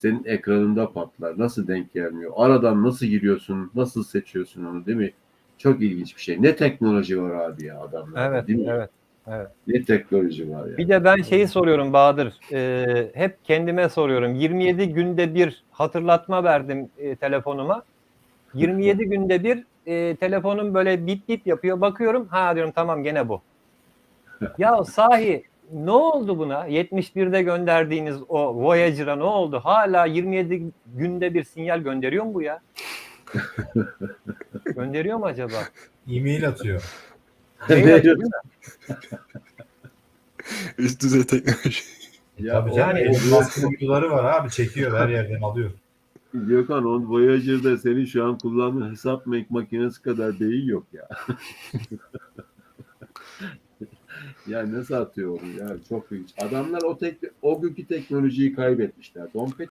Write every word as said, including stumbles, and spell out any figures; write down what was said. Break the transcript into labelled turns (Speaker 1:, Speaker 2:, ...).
Speaker 1: Senin ekranında patlar. Nasıl denk gelmiyor? Aradan nasıl giriyorsun? Nasıl seçiyorsun onu, değil mi? Çok ilginç bir şey. Ne teknoloji var abi ya adamlarda,
Speaker 2: Evet,
Speaker 1: değil mi?
Speaker 2: evet, evet.
Speaker 1: Ne teknoloji var ya.
Speaker 2: Bir de ben şeyi soruyorum Bahadır, eee, hep kendime soruyorum. yirmi yedi günde bir hatırlatma verdim, eee, telefonuma. yirmi yedi günde bir, eee, telefonum böyle bip bip yapıyor. Bakıyorum, ha diyorum tamam gene bu. Ya sahi ne oldu buna? yetmiş birde gönderdiğiniz o Voyager'a ne oldu? Hâlâ yirmi yedi günde bir sinyal gönderiyor mu bu ya? Gönderiyor mu acaba?
Speaker 3: E-mail atıyor.
Speaker 2: Mail atıyor değil mi?
Speaker 4: Üst düzey teknoloji.
Speaker 3: E
Speaker 1: Ya
Speaker 3: tabii
Speaker 1: o,
Speaker 3: canım
Speaker 2: Yani-
Speaker 3: Elon Musk'ın uyduları var abi. Çekiyor her yerden alıyor.
Speaker 1: Gökhan, on Voyager'da senin şu an kullandığın hesap makinesi kadar beyin yok ya. Ya nasıl atıyor onu ya? Çok ilginç. Adamlar o tek o günkü teknolojiyi kaybetmişler. Dompet